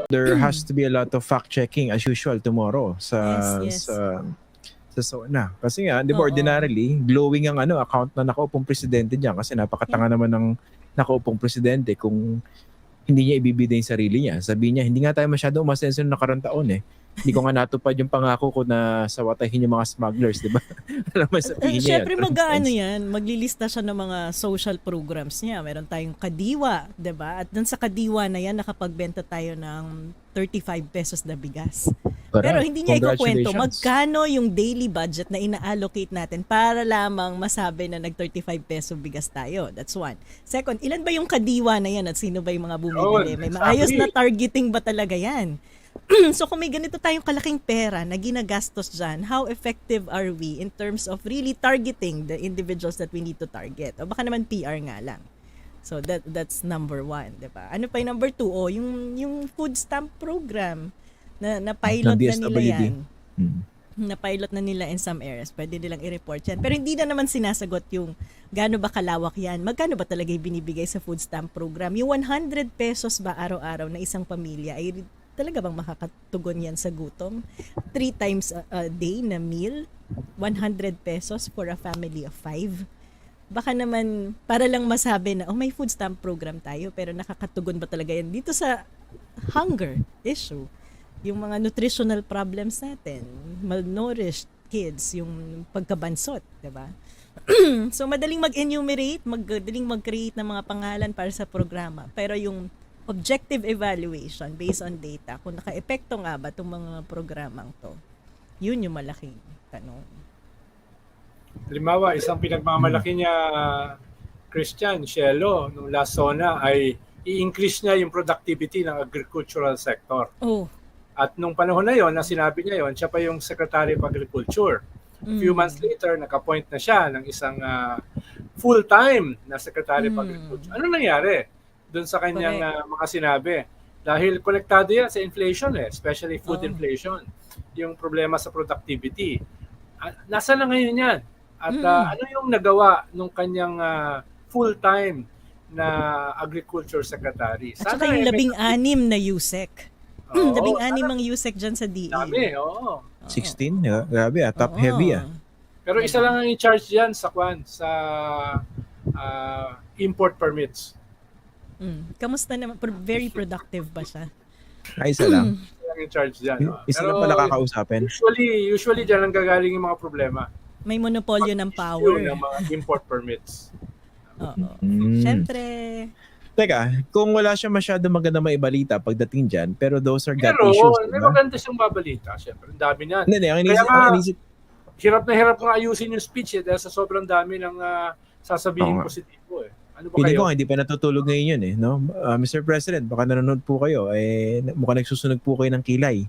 there has to be a lot of fact checking as usual tomorrow sa Yes. sa SONA. Kasi nga, di ba Oo. ordinarily, glowing ang account na nakaupong presidente diyan kasi napakatanga naman ng nakaupong presidente kung hindi niya ibibida yung sarili niya. Sabi niya, hindi nga tayo masyado umasenso ng nakarang taon eh. Hindi ko nga natupad yung pangako ko na sawatahin yung mga smugglers, di ba? Alam mo, sabihin niya Siyempre maglilista siya ng mga social programs niya. Meron tayong Kadiwa, 'di ba? At dun sa Kadiwa na yan, nakapagbenta tayo ng 35 pesos na bigas. Pero hindi niya ikukwento magkano yung daily budget na ina-allocate natin para lamang masabi na nag-35 peso bigas tayo. That's one. Second, ilan ba yung Kadiwa na yan at sino ba yung mga bumibili? May maayos na targeting ba talaga yan? So kung may ganito tayong kalaking pera na ginagastos dyan, how effective are we in terms of really targeting the individuals that we need to target? O baka naman PR nga lang. So that's number one, diba? Ano pa yung number two? O yung food stamp program na pilot na nila yan. Na pilot na nila in some areas. Pwede nilang i-report yan. Pero hindi na naman sinasagot yung gaano ba kalawak yan. Magkano ba talaga binibigay sa food stamp program? Yung 100 pesos ba araw-araw na isang pamilya ay talaga bang makakatugon yan sa gutom? 3 times a day na meal? 100 pesos for a family of 5? Baka naman, para lang masabi na, may food stamp program tayo, pero nakakatugon ba talaga yan dito sa hunger issue? Yung mga nutritional problems natin, malnourished kids, yung pagkabansot, diba? So, madaling mag-enumerate, madaling mag-create ng mga pangalan para sa programa. Pero yung objective evaluation based on data, kung naka-epekto nga ba itong mga programang to, yun yung malaking tanong. Halimbawa, isang pinagmamalaki niya, Christian Cielo, nung last SONA ay i-increase niya yung productivity ng agricultural sector. At nung panahon na yon, na sinabi niya yon, siya pa yung Secretary of Agriculture. A few months later, nag-appoint na siya ng isang full-time na Secretary of Agriculture. Ano nangyari doon sa kanyang mga sinabi? Dahil konektado yan sa inflation especially food inflation. Yung problema sa productivity. Nasaan na ngayon yan? At ano yung nagawa nung kanyang full-time na agriculture secretary? At saka yung 16 na USEC. 16 ang USEC dyan sa DE. Dami, 16? Grabe top heavy Pero isa lang ang in-charge dyan sa import permits. Kamusta naman? Very productive ba siya? Isa lang. Isa lang in-charge dyan. Isa lang pala kakausapin. Usually dyan ang gagaling yung mga problema. May monopolyo ng power. Ng mga import permits. Siyempre. Teka, kung wala siya masyado maganda maibalita pagdating dyan, pero those are gut issues. Pero may maganda siyang babalita. Siyempre, ang dami niyan. Hirap na hirap nga ayusin yung speech dahil sa sobrang dami ng sasabihin positibo Ano ba kayo? Ko hindi pa natutulog ngayon yun no? Mr. President, baka nanonood po kayo. Mukhang nagsusunog po kayo ng kilay.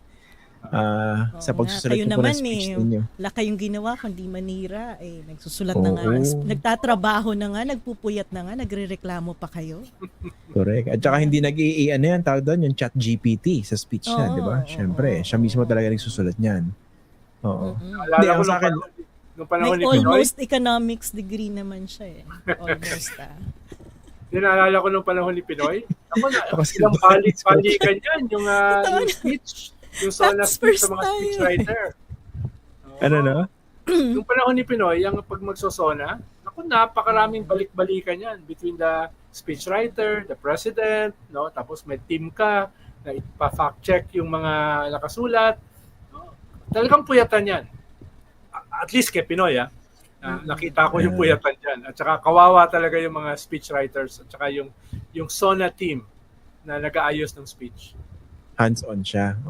Sa pagsusulat po ng speech ninyo. Wala kayong ginawa kundi manira. Nagsusulat na nga. Nagtatrabaho na nga, nagpupuyat na nga, nagrereklamo pa kayo. Correct. At saka hindi tawag doon yung chat GPT sa speech niya, di ba? Siyempre, siya mismo talaga nagsusulat niyan. Hindi, ako sa akin, may almost economics degree naman siya Almost Naalala ko nung panahon ni Pinoy. Ako na, ilang balikan yan, yung speech. Yung SONA speech sa mga speechwriter. Ano na? Yung panahon ni Pinoy, yung pag magso-SONA, napakaraming balik-balikan yan between the speechwriter, the president, tapos may team ka na ipa-fact check yung mga nakasulat. Talagang puyatan yan. At least kay Pinoy, nakita ko yung puyatan dyan. At saka kawawa talaga yung mga speechwriters at saka yung SONA team na nag-aayos ng speech. Hands-on siya.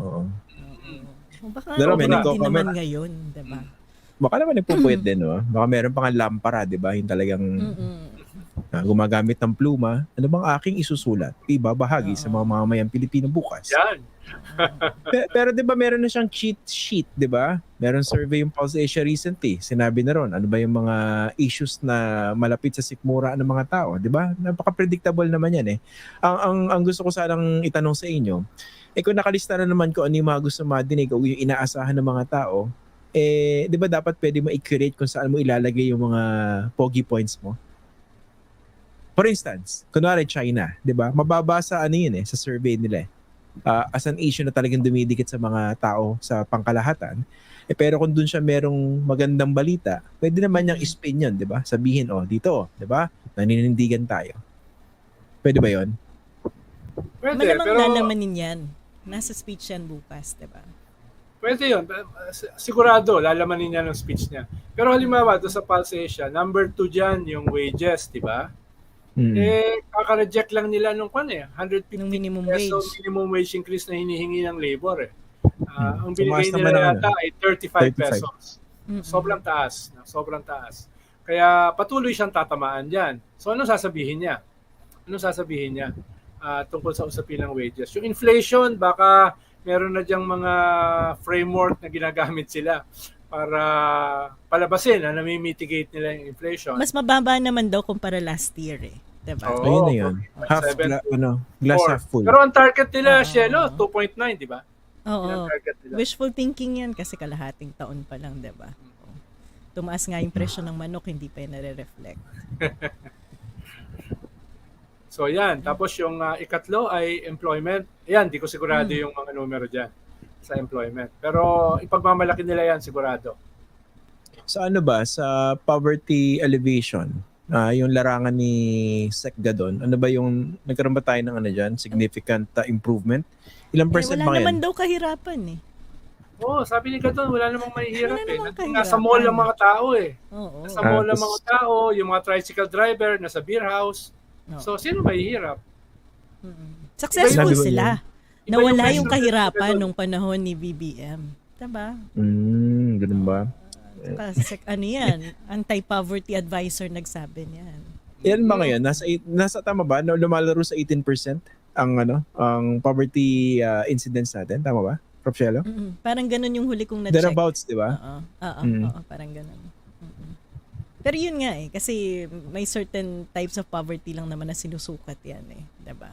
Baka din naman ngayon, diba? Baka naman nagpupuyat din, Baka meron pang lampara, diba? Yung talagang gumagamit ng pluma. Ano bang aking isusulat? Ibabahagi sa mga mamamayang Pilipino bukas. Yan. Pero diba meron na siyang cheat sheet, diba? Meron survey yung Pulse Asia recently. Sinabi na ron, ano ba yung mga issues na malapit sa sikmura ng mga tao, diba? Napaka-predictable naman yan Ang gusto ko sanang itanong sa inyo, kung nakalista na naman ko ano yung mga gusto madinig o yung inaasahan ng mga tao, di ba dapat pwede mo i-curate kung saan mo ilalagay yung mga pogi points mo? For instance, kunwari China, di ba? Mababa sa sa survey nila as an issue na talagang dumidikit sa mga tao sa pangkalahatan. Pero kung dun siya merong magandang balita, pwede naman niyang spin yun, di ba? Sabihin, dito, di ba? Naninindigan tayo. Pwede ba yun? Pwede, Malamang pero lalamanin yan. Nasa speech yan bukas, di ba? pwede yun. Sigurado, lalamanin niya ng speech niya. Pero halimbawa, doon sa Pulse Asia, number 2 dyan yung wages, di ba? Kaka-reject lang nila nung 150 Yung minimum peso wage. minimum wage increase na hinihingi ng labor eh. Ang Tumaas binigay naman nila ang yata ay 35 35. pesos. Sobrang taas. Sobrang taas. Kaya patuloy siyang tatamaan dyan. So ano sasabihin niya? Tungkol sa usapin ng wages? Yung inflation, baka meron na diyang mga framework na ginagamit sila para palabasin na nami-mitigate nila yung inflation. Mas mababa naman daw kumpara last year eh. Diba? Oo. Ayun na yun. Glass half full. Pero ang target nila, Shelo, 2.9, di ba? Yan ang Oo. target nila. Wishful thinking yan kasi kalahating taon pa lang, diba? Tumaas nga yung presyo ng manok, hindi pa yan nare-reflect. So yan. Tapos yung ikatlo ay employment. Yan, di ko sigurado yung mga numero dyan sa employment. Pero ipagmamalaki nila yan sigurado. Sa ano ba? Sa poverty alleviation, yung larangan ni Sec Gadon, ano ba yung, nagkaroon ba tayo ng ano dyan? Significant improvement? Ilang percent Wala ba naman yan? daw kahirapan eh. Oo, sabi ni Gadon, wala namang mahihirap Wala namang eh. Nasa mall ang mga tao eh. Oo. Nasa mall ang Tapos- mga tao, yung mga tricycle driver, nasa beer house. Oo. So, sino mahihirap? Successful Sabi ko sila. Iba Nawala yung yung presyo kahirapan nila. nung panahon ni BBM. Diba? Ganun ba? Kasi ano yan, anti-poverty advisor nagsabi niyan. Yan ba ngayon? Nasa tama ba? Na lumalaro sa 18% ang poverty incidence natin? Tama ba? Prof. Shelo? Parang ganun yung huli kong na-check. Thereabouts, di ba? Oo, parang ganun. Pero yun nga eh, kasi may certain types of poverty lang naman na sinusukat yan eh. Diba?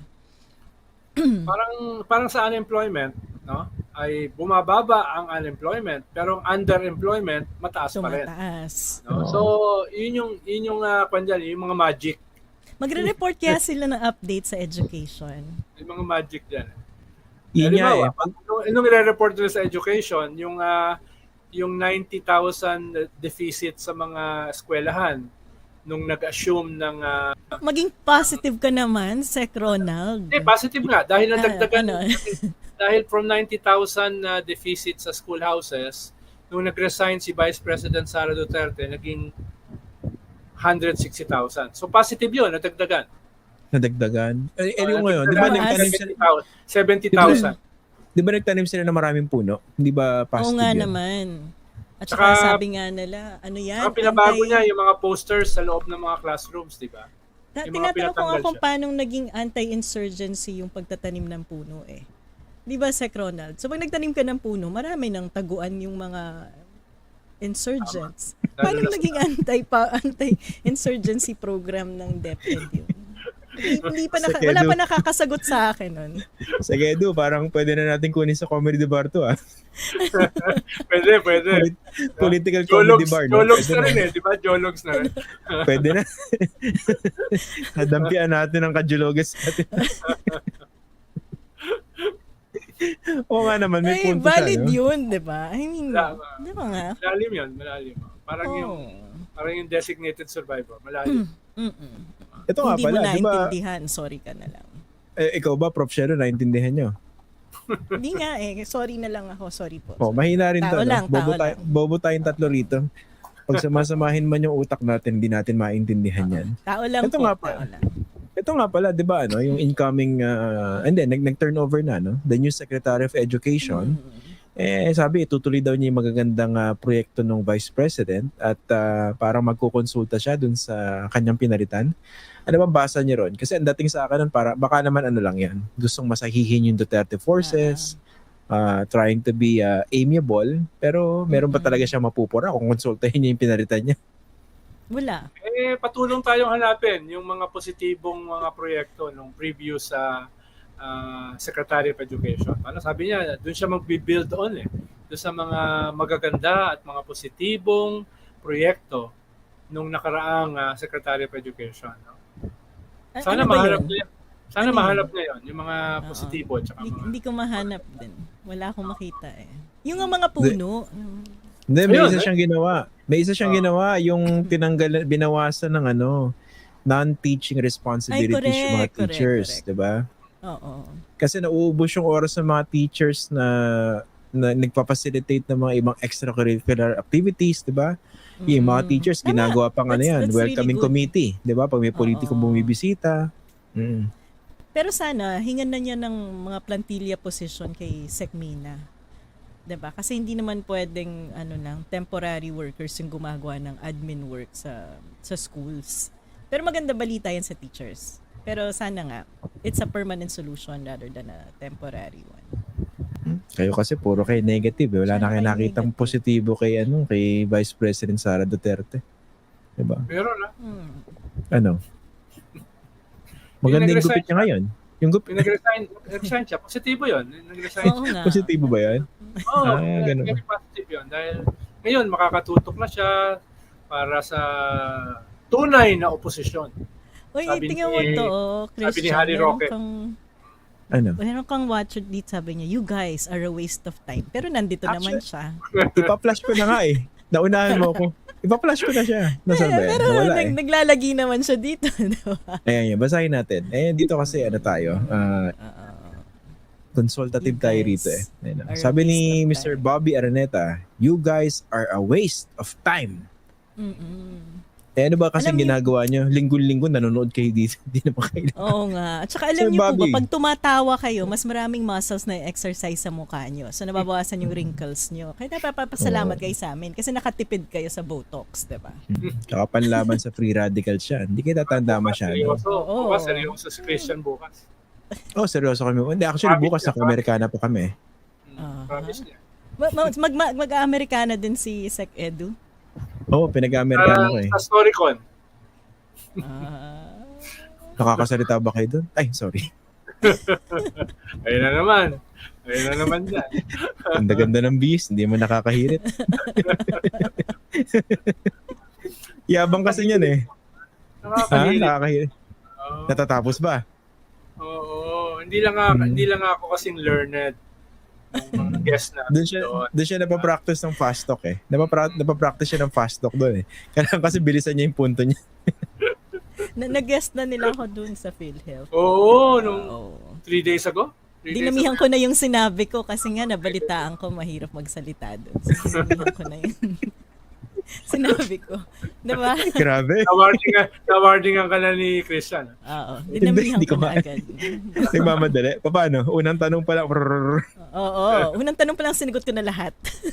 Parang sa unemployment, no? Ay bumababa ang unemployment, pero ang underemployment mataas pa rin. Tumataas. No? So, yun yung kwan dyan, yung mga magic. Magre-report kaya sila ng update sa education. Yung mga magic dyan. Yun nga eh. Nung i-report nila sa education, yung 90,000 deficit sa mga eskwelahan nung nag-assume ng Maging positive ka naman, Sec Ronald. positive nga dahil nadagdagan Ano? dahil from 90,000 na deficit sa schoolhouses nung nag-resign si Vice President Sara Duterte naging 160,000. So positive 'yun, nadagdagan. Yung ngayon, di ba nagtanim sila? 70,000. Di ba nagtanim sila ng maraming puno? Hindi ba positive Oo nga yan? naman. At Tsaka- saka sabi nga nila, ano yan? Saka pinabago niya yung mga posters sa loob ng mga classrooms, di ba? yung mga Tinatanong ko nga pinatanggal kung siya. paano naging anti-insurgency yung pagtatanim ng puno eh. Di ba, Sec Ronald? So pag nagtanim ka ng puno, marami nang taguan yung mga insurgents. Paano Lalo na naging anti-insurgency program ng DepEd yun? Wala pa nakakasagot sa akin nun. Sa Gedo, parang pwede na natin kunin sa comedy bar to Pwede. Political comedy bar. No? Jologs Pwede na rin di ba? Jologs na rin. Pwede na. Nadampian natin ang kajulogas natin. Oo nga naman, may punto valid siya. No? yun, di ba? I mean, di ba nga? Malalim yun, malalim. Parang yung designated survivor. Malalim. Ito nga Hindi mo pala, di ba? naintindihan, sorry ka na lang. Ikaw ba, Prof. Shero, naintindihan nyo? Hindi nga sorry na lang ako, sorry po. Mahina rin Tao to. lang, no? tao lang. Bobo tayong tatlo rito. Pag samasamahin man yung utak natin, hindi natin maintindihan yan. Tao lang Ito po, nga tao pala. lang. Ito nga pala, di ba, yung incoming, and then, nag-turnover na, no? The new Secretary of Education, sabi, itutuloy daw niya yung magagandang proyekto ng Vice President at parang magkukonsulta siya dun sa kanyang pinalitan. Ano bang basa niyo ron? Kasi ang dating sa akin, baka naman ano lang yan. Gustong masahihin yung Duterte forces, trying to be amiable, pero meron pa talaga siya mapupura kung konsultahin niya yung pinalitan niya. Wala. Patulong tayong hanapin yung mga positibong mga proyekto nung previous sa Secretary of Education. Ano sabi niya, doon siya mag-build on doon sa mga magaganda at mga positibong proyekto nung nakaraang Secretary of Education. No? Sana Ano ba maharap yun? niya. Sana Ano mahanap niya yun, yung mga Oo. positibo at saka mga... Hindi ko mahanap din. Wala akong makita eh. Yung nga mga puno. Hindi, may Ayun, isa siyang ginawa. May isa siyang Oo. ginawa, yung binawasan ng non-teaching responsibilities yung mga teachers, correct. 'di ba? Oo. Kasi nauubos yung oras ng mga teachers na nagpa-facilitate ng mga ibang extracurricular activities, 'di ba? Yung mga teachers Tama. ginagawa pang That's really welcoming good. committee, 'di ba? Pag may politikong Oo. bumibisita. Mm. Pero sana, hingan na niya ng mga plantilla position kay Secmina. 'Di ba? Kasi hindi naman pwedeng temporary workers yung gumagawa ng admin work sa schools. Pero maganda balita yan sa teachers. Pero sana nga, it's a permanent solution rather than a temporary one. Kayo kasi puro kayo negative. Wala na kayo Siya nakitang negative. positibo kay Vice President Sara Duterte. 'Di ba? Meron na. Ano? Maganda yung gupit niya ngayon. Yung Yung nag-resign siya, positibo yun. Nag-resign Oo siya. nga. positibo ba yan? Oo, ganun. very positive yun. Dahil ngayon, makakatutok na siya para sa tunay na oposisyon. Uy, Sabi tingnan ni- mo to, Christian. sabi ni Harry Roque. Meron kang watcher dito, sabi niya, you guys are a waste of time. Pero nandito naman siya. Ipa-flash ko na nga eh. Naunahan mo ako. Ipa-flash ko na siya. Nasaan ba yan? Pero Wala eh. naglalagi naman siya dito. Diba? Ayan, basahin natin. Dito kasi tayo. Consultative You tayo guys rito eh. Ayun, are a sabi ni waste of Mr. time. Bobby Araneta, you guys are a waste of time. Ano ba kasi Alam niyo- ginagawa nyo? Linggo-linggo nanonood kayo dito. Hindi naman kayo. Oo nga. At saka alam Sir niyo po Bobby. ba, pag tumatawa kayo, mas maraming muscles na exercise sa mukha niyo. So, nababawasan yung wrinkles niyo. Kaya napapasalamat kayo sa amin kasi nakatipid kayo sa Botox, diba? Tsaka panlaban sa free radicals siya. Hindi kayo tatanda masyado. Seryoso. Oo. Bukas, seryoso si Christian bukas. Oh, seryoso kami. Hindi, actually bukas na Amerikana pa kami. Promise niya. Mag-Amerikana din si Sec Edu. Oo, pinag-Amerikana ko eh. Sa Storycon. Nakakasalita ba kayo doon? Ay, sorry. Ayun na naman dyan. Ang ganda ng bis, hindi mo nakakahirit. Yabang kasi niyan eh. Nakakahirit. Nakakahirit. Oo. Natatapos ba? Oo. Hindi lang ako kasing learned ng mga guest natin Doon siya napapractice ng fast talk eh. Napapractice siya ng fast talk doon eh. Kailangan kasi bilisan niya yung punto niya. Nag-guest na nila ako dun sa PhilHealth. Oo, nung Oo. 3 days ago. 3 days Dinamihan ago. ko na yung sinabi ko kasi nga nabalitaan ko mahirap magsalita doon. So, dinamihan ko na yun. Sinabi ko. Diba? Grabe. Na-warningan ka na ni Christian. Oo. Dinamihan Hindi ko ko na ma- agad. Nagmamadali. Paano? Unang tanong pa lang. Oo. Unang tanong pa lang sinigot ko na lahat.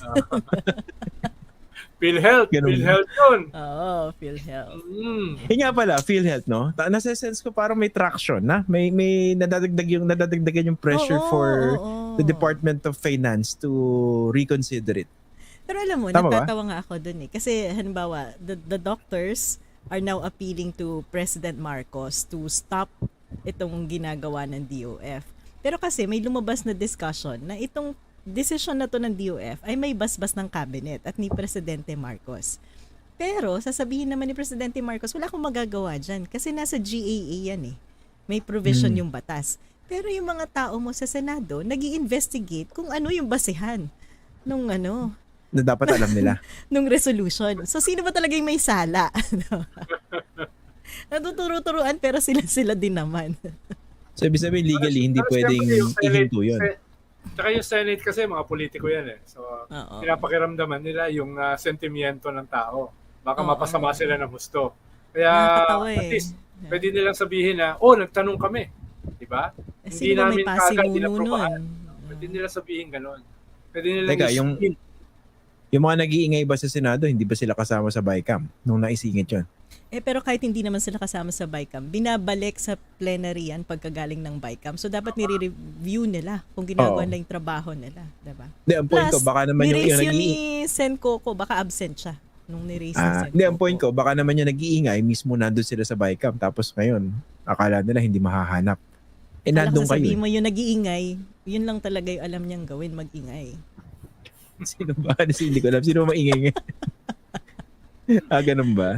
PhilHealth. Ganun. PhilHealth yun. Oo, PhilHealth. Nga pala, PhilHealth, no? Nasa-sense ko parang may traction na. May nadadagdagan yung pressure Oo, for oo. the Department of Finance to reconsider it. Pero alam mo, Tama ba? natatawa nga ako dun eh. Kasi halimbawa, the doctors are now appealing to President Marcos to stop itong ginagawa ng DOF. Pero kasi may lumabas na discussion na itong decision na to ng DOF ay may basbas ng cabinet at ni Presidente Marcos. Pero sasabihin naman ni Presidente Marcos, wala akong magagawa dyan kasi nasa GAA yan eh. May provision yung batas. Pero yung mga tao mo sa Senado, nag-i-investigate kung ano yung basihan nung Na dapat alam nila. nung resolution. So, sino ba talaga yung may sala? Natuturo-turuan pero sila din naman. So, ibig sabihin, legally, hindi Pero pwedeng siyempre, yung Senate- ihinto yun. Tsaka yung Senate kasi mga politiko yan eh. So, Oo. pinapakiramdaman nila yung sentimiento ng tao. Baka Oo. mapasama sila ng husto. Kaya Nakakatawa at eh. least, pwede nilang sabihin na, nagtanong kami. Diba? Sino ba may pasimuno inaprobahan. nun? Pwede nila sabihin ganun. Pwede nilang Teka, yung- isipin. Yung mga nag-iingay ba sa Senado, hindi ba sila kasama sa BICAM nung naisingit yun? Pero kahit hindi naman sila kasama sa BICAM, binabalik sa plenary yan pagkagaling ng BICAM. So, dapat nire-review nila kung ginagawa Oo. nila yung trabaho nila. Diba? Hindi, ang point ko, baka naman yung niraise yun nag-iingay. ni Sen Coco, baka absent siya nung niraise ni Sen Hindi, ang Coco. point ko, baka naman yung nag-iingay, mismo nandun sila sa BICAM. Tapos ngayon, akala nila hindi mahahanap. Alam Nandun ko kayo. sasabihin mo yung nag-iingay, yun lang talaga yung alam niyang gawin, mag-ingay. Sino ba? Hindi ko alam. Sino maingay ngayon? Ganun ba?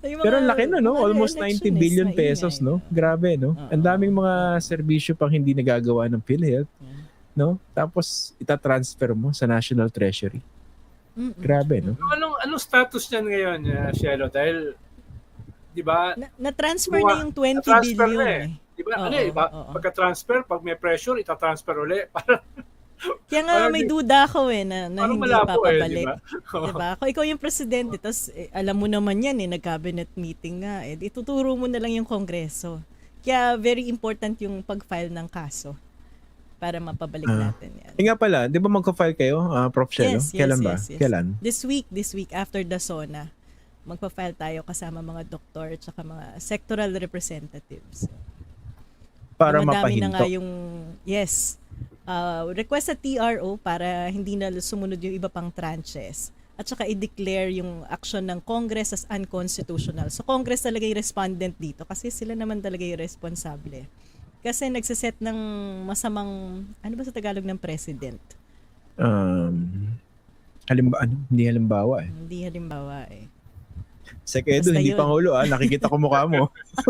Yung Pero mga- ang laki na, no? mga Almost 90 electionist, billion maingay, pesos, no? Grabe, no? Oo. Ang daming mga serbisyo pang hindi nagagawa ng PhilHealth, Yeah. no? Tapos itatransfer mo sa National Treasury. Mm-mm. Grabe, no? Anong status niyan ngayon, Shelo? Dahil, di ba, Na-transfer na yung 20 na-transfer billion na eh. Di ba, Oo, oo. pagka-transfer, pag may pressure, itatransfer uli. Parang Kaya nga may duda ako na parang hindi malabo papabalik. di ba? Diba? Kung ikaw yung presidente, tapos alam mo naman yan nag-cabinet meeting nga, ituturo mo na lang yung kongreso. Kaya very important yung pag-file ng kaso para mapabalik natin yan. Nga pala, di ba magka-file kayo, Prof. Shelo? Kailan ba? Yes. Kailan? This week after the SONA, magpa-file tayo kasama mga doktor at saka mga sectoral representatives. Para Madami na nga mapahinto. yung, request sa TRO para hindi na sumunod yung iba pang tranches. At saka i-declare yung action ng Congress as unconstitutional. So Congress talaga yung respondent dito kasi sila naman talaga yung responsable. Kasi nagsiset ng masamang, ano ba sa Tagalog ng president? Hindi halimbawa eh. Hindi halimbawa eh. Sekedo, Basta hindi yun. Pangulo nakikita ko mukha mo.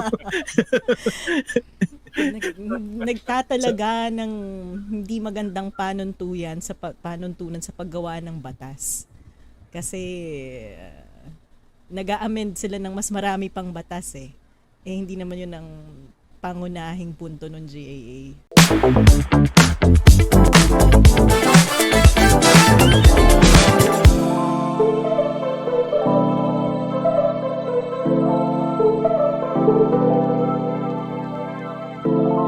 Nagtatalaga ng hindi magandang panuntunan sa paggawa ng batas. Kasi nag-a-amend sila ng mas marami pang batas eh. Hindi naman yun ang pangunahing punto ng GAA.